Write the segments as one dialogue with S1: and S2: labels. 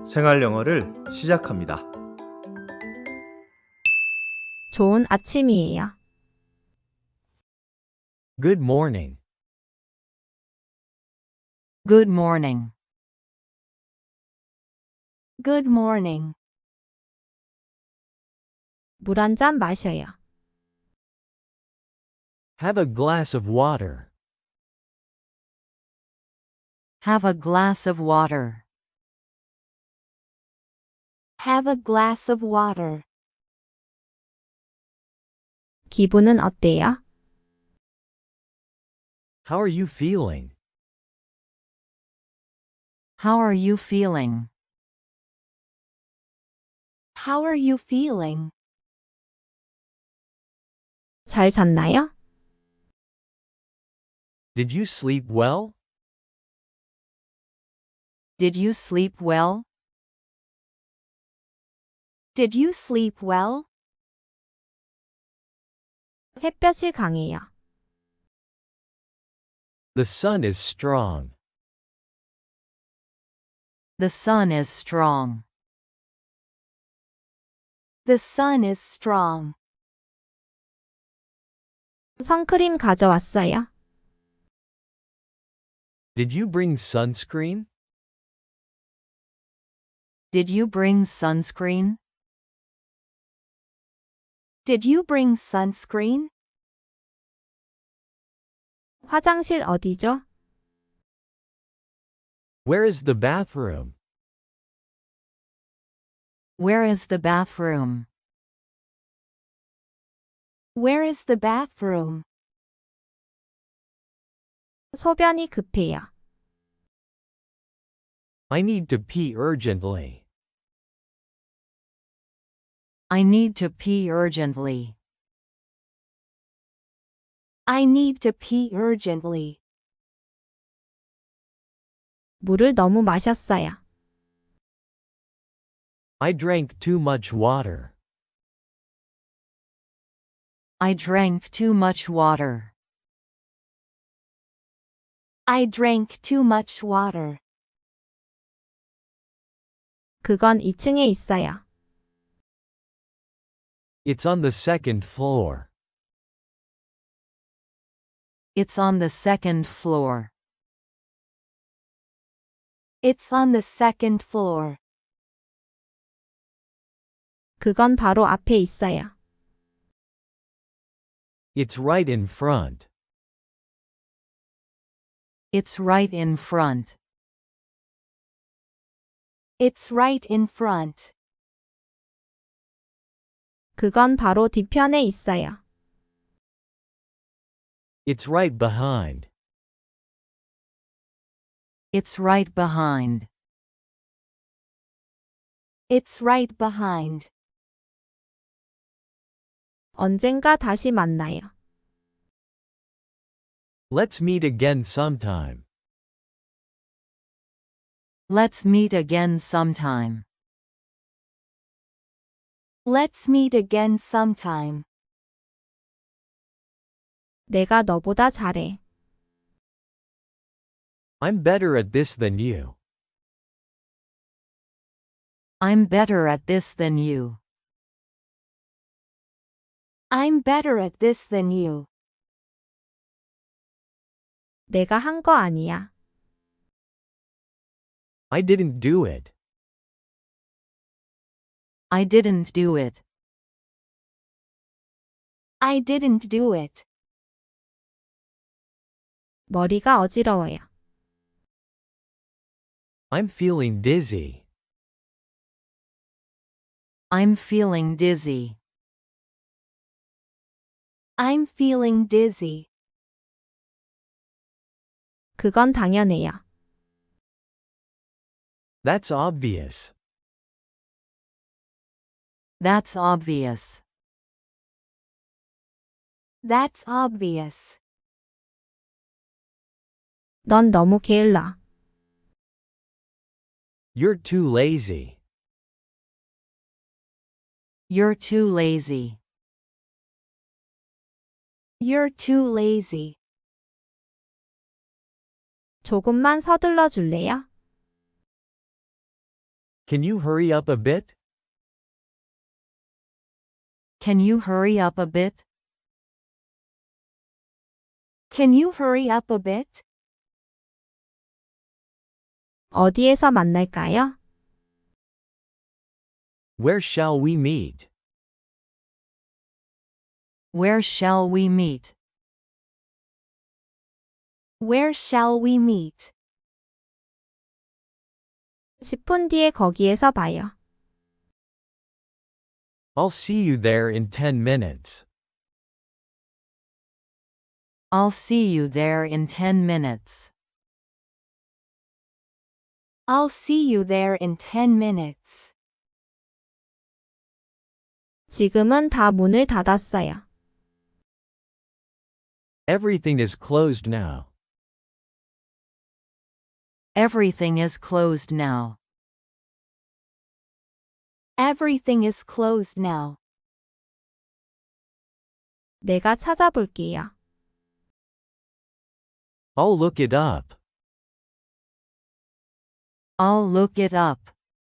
S1: 생활 영어를 시작합니다.
S2: 좋은 아침이에요.
S3: Good morning.
S4: Good morning.
S5: Good morning.
S2: 물 한 잔 마셔요.
S3: Have a glass of water.
S4: Have a glass of water.
S5: Have a glass of water.
S2: 기분은 어때요?
S3: How are you feeling?
S4: How are you feeling?
S5: How are you feeling?
S2: 잘 잤나요?
S3: Did you sleep well?
S4: Did you sleep well?
S5: Did you sleep well?
S2: 햇볕이 강해요.
S3: The sun is strong.
S4: The sun is strong.
S5: The sun is strong.
S2: 선크림 가져왔어요.
S3: Did you bring sunscreen?
S4: Did you bring sunscreen?
S5: Did you bring sunscreen?
S2: 화장실 어디죠?
S3: Where is the bathroom?
S4: Where is the bathroom?
S5: Where is the bathroom?
S2: 소변이 급해요.
S3: I need to pee urgently.
S4: I need to pee urgently.
S5: I need to pee urgently.
S2: 물을 너무 마셨어요.
S3: I drank too much water.
S4: I drank too much water.
S5: I drank too much water.
S2: 그건 2층에 있어요.
S3: It's on the second floor.
S4: It's on the second floor.
S5: It's on the second floor.
S2: 그건 바로 앞에 있어요.
S3: It's right in front.
S4: It's right in front.
S5: It's right in front.
S2: 그건 바로 뒤편에 있어요.
S3: It's right behind.
S4: It's right behind.
S5: It's right behind.
S2: 언젠가 다시 만나요.
S3: Let's meet again sometime.
S4: Let's meet again sometime.
S5: Let's meet again sometime.
S2: 내가 너보다 잘해.
S3: I'm better at this than you.
S4: I'm better at this than you.
S5: I'm better at this than you.
S2: 내가 한 거 아니야.
S3: I didn't do it.
S4: I didn't do it.
S5: I didn't do it.
S2: 머리가 어지러워요.
S3: I'm feeling dizzy.
S4: I'm feeling dizzy.
S5: I'm feeling dizzy.
S2: 그건 당연해요.
S3: That's obvious.
S4: That's obvious.
S5: That's obvious.
S2: 넌 너무 게을러.
S3: You're too lazy.
S4: You're too lazy.
S5: You're too lazy.
S2: 조금만 서둘러 줄래요?
S3: Can you hurry up a bit?
S4: Can you hurry up a bit?
S5: Can you hurry up a bit?
S2: 어디에서 만날까요?
S3: Where shall we meet?
S4: Where shall we meet?
S5: Where shall we meet?
S2: 10분 뒤에 거기에서 봐요.
S3: I'll see you there in 10 minutes.
S4: I'll see you there in 10 minutes.
S5: I'll see you there in 10 minutes.
S2: 지금은 다 문을 닫았어요.
S3: Everything is closed now.
S4: Everything is closed now.
S5: Everything is closed now.
S2: 내가 찾아볼게요.
S3: I'll look it up.
S4: I'll look it up.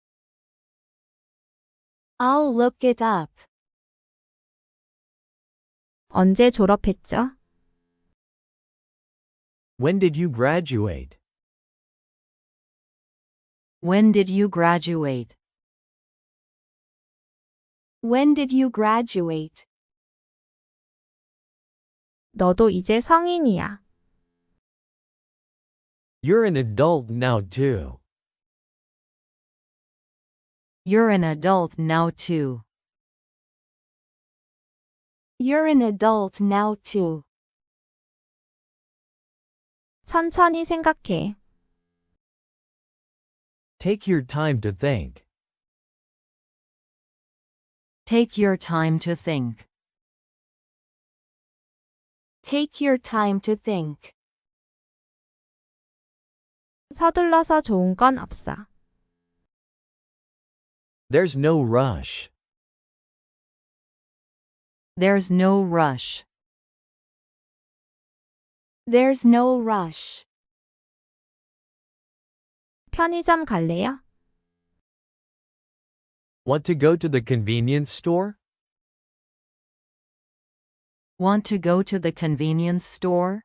S5: I'll look it up.
S2: 언제 졸업했죠?
S3: When did you graduate?
S4: When did you graduate?
S5: When did you graduate?
S2: 너도 이제 성인이야.
S3: You're an adult now too.
S4: You're an adult now too.
S5: You're an adult now too.
S2: 천천히 생각해.
S3: Take your time to think.
S4: Take your time to think.
S5: Take your time to think.
S2: 서둘러서 좋은 건 없어.
S3: There's no rush.
S4: There's no rush.
S5: There's no rush.
S2: 편의점 갈래요?
S3: Want to go to the convenience store?
S4: Want to go to the convenience store?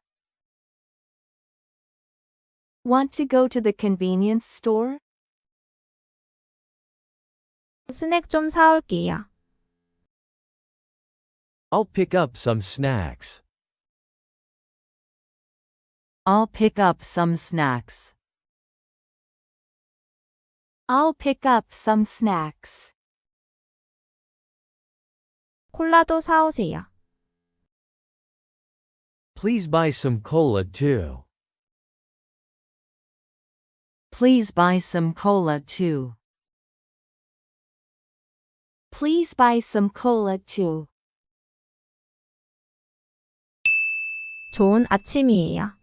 S5: Want to go to the convenience store?
S2: 스낵 좀 사올게요.
S3: I'll pick up some snacks.
S4: I'll pick up some snacks.
S5: I'll pick up some snacks.
S2: 콜라도 사오세요.
S3: Please buy some cola too.
S4: Please buy some cola too.
S5: Please buy some cola too.
S2: 좋은 아침이에요.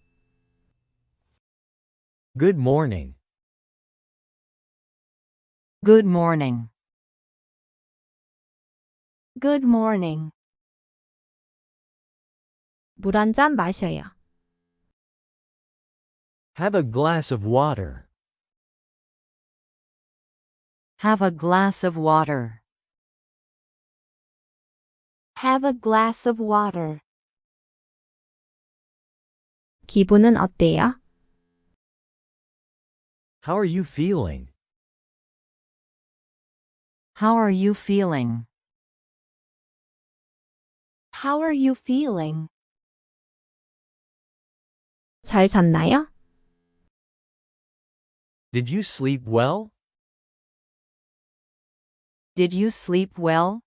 S3: Good morning.
S4: Good morning.
S5: Good morning.
S2: 물 한 잔 마셔요.
S3: Have a glass of water.
S4: Have a glass of water.
S5: Have a glass of water.
S2: 기분은 어때요?
S3: How are you feeling?
S4: How are you feeling?
S5: How are you feeling?
S2: 잘 잤나요?
S3: Did you sleep well?
S4: Did you sleep well?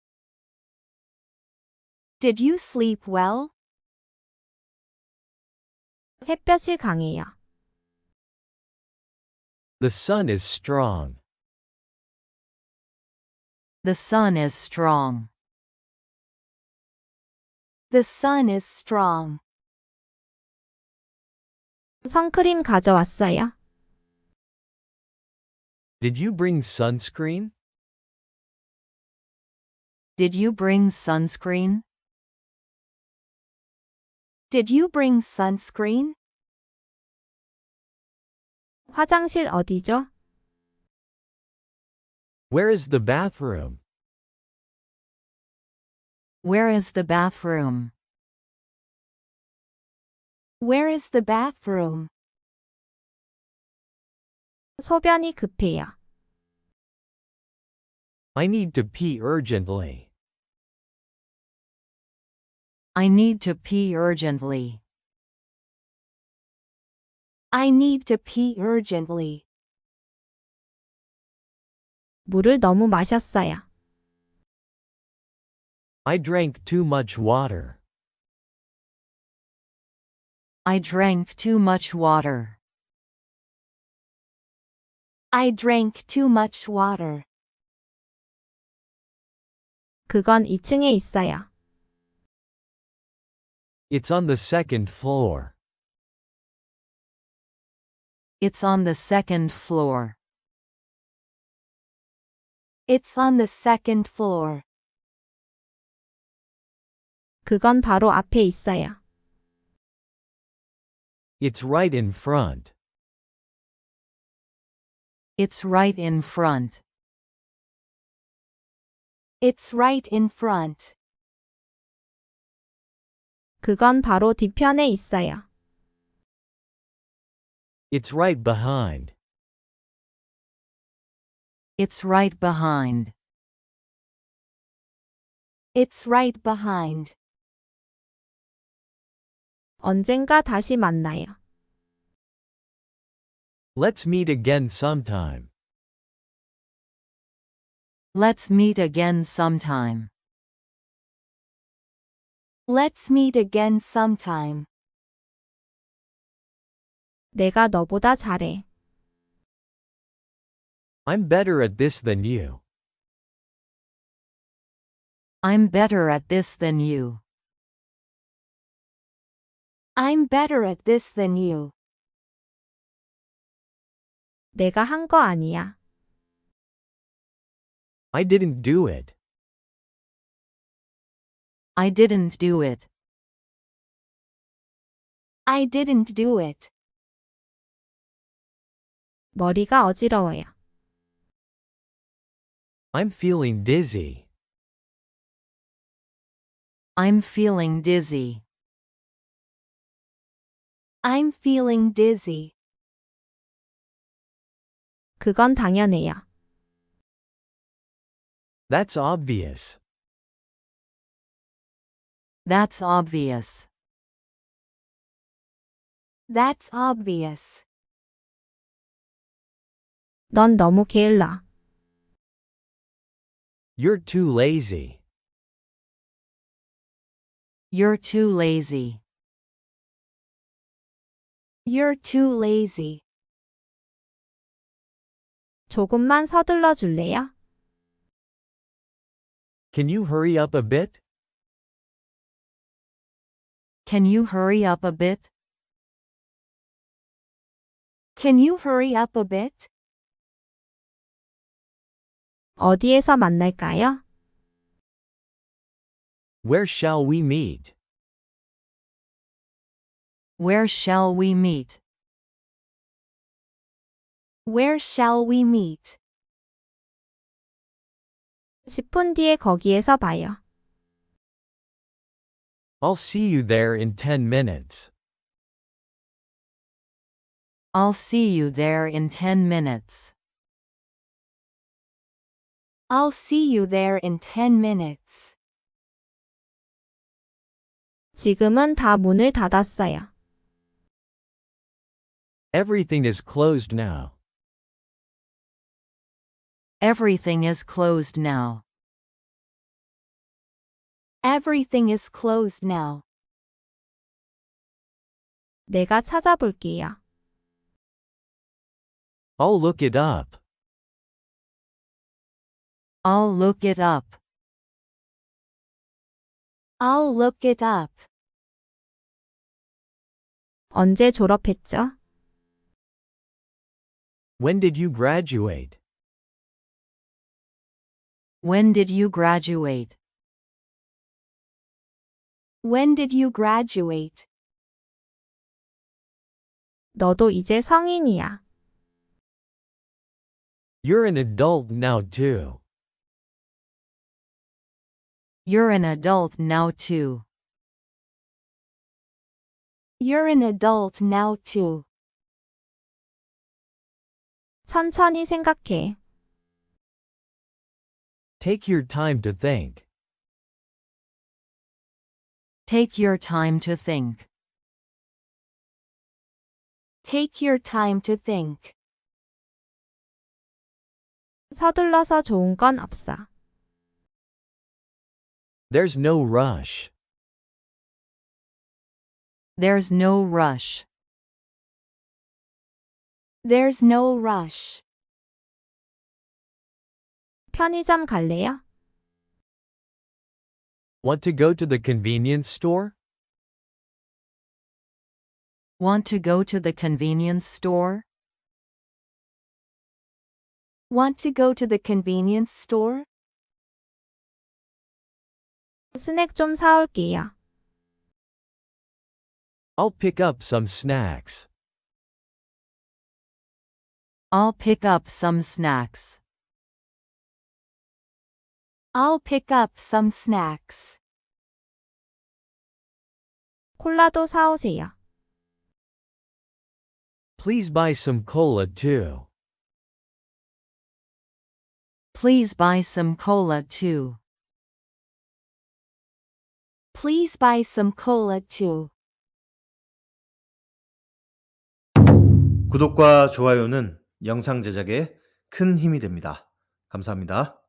S5: Did you sleep well?
S2: 햇볕이 강해요.
S3: The sun is strong.
S4: The sun is strong.
S5: The sun is strong.
S2: 선크림 가져왔어요?
S3: Did you bring sunscreen?
S4: Did you bring sunscreen?
S5: Did you bring sunscreen?
S2: 화장실 어디죠?
S3: Where is the bathroom?
S4: Where is the bathroom?
S5: Where is the bathroom?
S2: 소변이 급해요.
S3: I need to pee urgently.
S4: I need to pee urgently.
S5: I need to pee urgently.
S2: 물을 너무 마셨어요.
S3: I drank too much water.
S4: I drank too much water.
S5: I drank too much water.
S2: 그건 2층에 있어요.
S3: It's on the second floor.
S4: It's on the second floor.
S5: It's on the second floor.
S2: 그건 바로 앞에 있어요.
S3: It's right in front.
S4: It's right in front.
S5: It's right in front.
S2: 그건 바로 뒤편에 있어요.
S3: It's right behind.
S4: It's right behind.
S5: It's right behind.
S2: 언젠가 다시 만나요.
S3: Let's meet again sometime.
S4: Let's meet again sometime.
S5: Let's meet again sometime.
S2: 내가 너보다 잘해.
S3: I'm better at this than you.
S4: I'm better at this than you.
S5: I'm better at this than you.
S2: 내가 한 거 아니야.
S3: I didn't do it.
S4: I didn't do it.
S5: I didn't do it.
S2: 머리가 어지러워요.
S3: I'm feeling dizzy.
S4: I'm feeling dizzy.
S5: I'm feeling dizzy.
S2: 그건 당연해요.
S3: That's obvious.
S4: That's obvious.
S5: That's obvious.
S2: 넌 너무 게을러.
S3: You're too lazy.
S4: You're too lazy.
S5: You're too lazy.
S2: 조금만 서둘러 줄래요?
S3: Can you hurry up a bit?
S4: Can you hurry up a bit?
S5: Can you hurry up a bit?
S2: 어디에서 만날까요?
S3: Where shall we meet?
S4: Where shall we meet?
S5: Where shall we meet?
S2: 10분 뒤에 거기에서 봐요.
S3: I'll see you there in 10 minutes.
S4: I'll see you there in 10 minutes.
S5: I'll see you there in 10 minutes.
S2: 지금은 다 문을 닫았어요.
S3: Everything is closed now.
S4: Everything is closed now.
S5: Everything is closed now.
S2: 내가 찾아볼게요.
S3: I'll look it up.
S4: I'll look it up.
S5: I'll look it up.
S2: 언제 졸업했죠?
S3: When did you graduate?
S4: When did you graduate?
S5: When did you graduate?
S2: 너도 이제 성인이야.
S3: You're an adult now too.
S4: You're an adult now too.
S5: You're an adult now too.
S2: 천천히 생각해.
S3: Take your time to think.
S4: Take your time to think.
S5: Take your time to think.
S2: 서둘러서 좋은 건 없어.
S3: There's no rush.
S4: There's no rush.
S5: There's no rush.
S2: 편의점 갈래요?
S3: Want to go to the convenience store?
S4: Want to go to the convenience store?
S5: Want to go to the convenience store?
S2: 스낵 좀 사올게요.
S3: I'll pick up some snacks.
S4: I'll pick up some snacks.
S5: I'll pick up some snacks.
S2: 콜라도 사오세요.
S3: Please buy some cola too.
S4: Please buy some cola too.
S5: Please buy some cola too.
S1: 구독과 좋아요는 영상 제작에 큰 힘이 됩니다. 감사합니다.